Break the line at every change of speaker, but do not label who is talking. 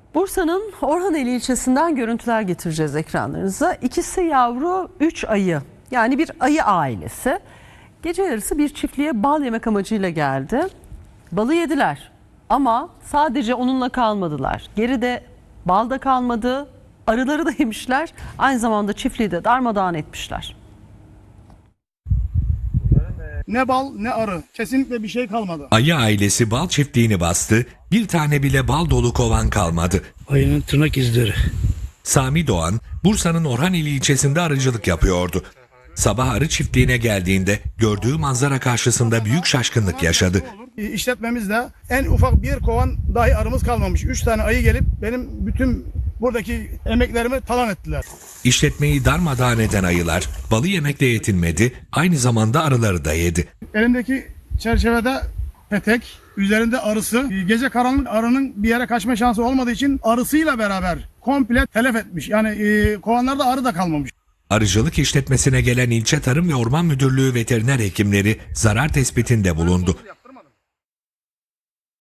Bursa'nın Orhaneli ilçesinden görüntüler getireceğiz ekranlarınıza. İkisi yavru, 3 ayı. Yani bir ayı ailesi. Gece yarısı bir çiftliğe bal yemek amacıyla geldi. Balı yediler ama sadece onunla kalmadılar. Geride bal da kalmadı, arıları da yemişler. Aynı zamanda çiftliği de darmadağın etmişler.
Ne bal ne arı. Kesinlikle bir şey kalmadı.
Ayı ailesi bal çiftliğini bastı, bir tane bile bal dolu kovan kalmadı.
Ayının tırnak izleri.
Sami Doğan, Bursa'nın Orhaneli ilçesinde arıcılık yapıyordu. Sabah arı çiftliğine geldiğinde gördüğü manzara karşısında büyük şaşkınlık yaşadı.
İşletmemizde en ufak bir kovan dahi arımız kalmamış. 3 tane ayı gelip benim bütün buradaki emeklerimi talan ettiler.
İşletmeyi darmadağın eden ayılar balı yemekle yetinmedi, aynı zamanda arıları da yedi.
Elimdeki çerçevede petek, üzerinde arısı. Gece karanlık arının bir yere kaçma şansı olmadığı için arısıyla beraber komple telef etmiş. Yani kovanlarda arı da kalmamış.
Arıcılık işletmesine gelen ilçe Tarım ve Orman Müdürlüğü veteriner hekimleri zarar tespitinde bulundu.